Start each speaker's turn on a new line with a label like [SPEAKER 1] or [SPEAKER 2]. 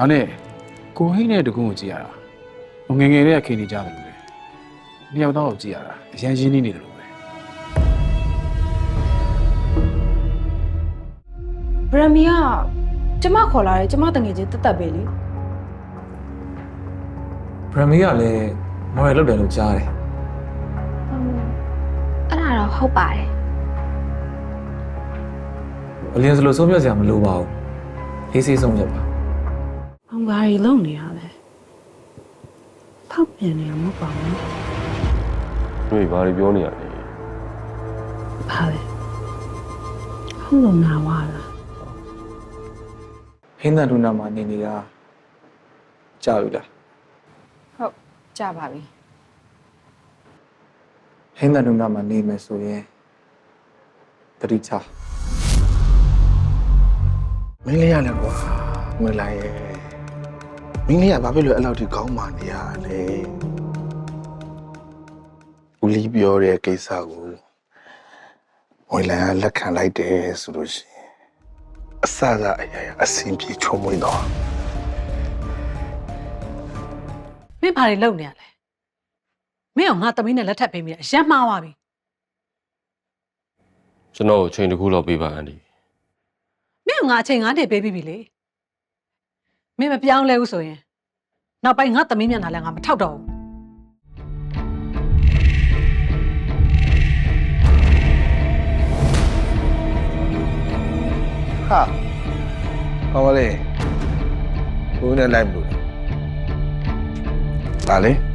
[SPEAKER 1] ဒါနဲ့ကိုဟိနဲ့တကူကိုကြည့်ရတာငယ်ငယ်လေးကခင်နေကြတယ်လို့နှစ်ယောက်တော့ကြည့်ရတာအရင်ရင်းနှီးနေတယ်လို့ပဲ
[SPEAKER 2] ဗရမီကကျမခေါ်လာတယ်ကျမတငယ်ချင်းတက်တက်ပဲလေ
[SPEAKER 3] ဗရမီကလည်းမော်ရယ်လောက်တယ်လို့ကြားတယ်
[SPEAKER 4] အဲ့ဒါတော့ဟုတ်ပါတယ်
[SPEAKER 3] အလင်းစလို့ဆုံးဖြတ်စရာမလိုပါဘူးအေးဆေးဆုံးဖြတ်ပါ
[SPEAKER 2] ။ဘာရီလုံနေရလဲ။ဖောက်ပြန်နေမှာမဟုတ်ပါဘူး
[SPEAKER 5] တွေ့ဘာတွေပြောနေရလဲ
[SPEAKER 2] ။ဘာလဲ။ဟုတ်လို့နာဝါလား
[SPEAKER 3] ဟင်းသန်ဒူနာမှာနေနေတာကြားပြီလား
[SPEAKER 2] ဟုတ်ကြပါပြီ
[SPEAKER 3] ဟင်းသန်ဒူနာမှာနေမယ်ဆိုရင်တတိချ
[SPEAKER 6] မင်းလေးရလဲကွာငွေလိုက်ရဲ့မင်းလေးကဘာဖြစ်လို့အဲ့လောက်ထိကောင်းမှနေရလဲဦးလီပြောတဲ့ကိစ္စကိုငွေလိုက်ကလက်ခံလိုက်တယ်ဆိုလို့ရှိရင်အစစအရာရာအဆင်ပြေချုံမွေးတော့
[SPEAKER 7] မင်းဘာတွေလုပ်နေရလဲမင်းကငါသမီးနဲ့လက်ထပ်ပေးမိတယ်အရက်မှားသွားပြီ
[SPEAKER 5] ကျွန်တော်အချိန်တစ်ခုလောက်ပေးပါအန်ဒီ
[SPEAKER 7] မင်းကငါအချိန်9နှစ်ပေးပြီးပြီလေမင်းမပြောင်းလဲဘူးဆိုရင်နောက်ပိုင်းငါသမီးမျက်နှာလည်းငါမထောက်တော့ဘူး
[SPEAKER 6] ဟာဟောလေဘုန်းနဲ့လိုက်မလို့ဒါလေ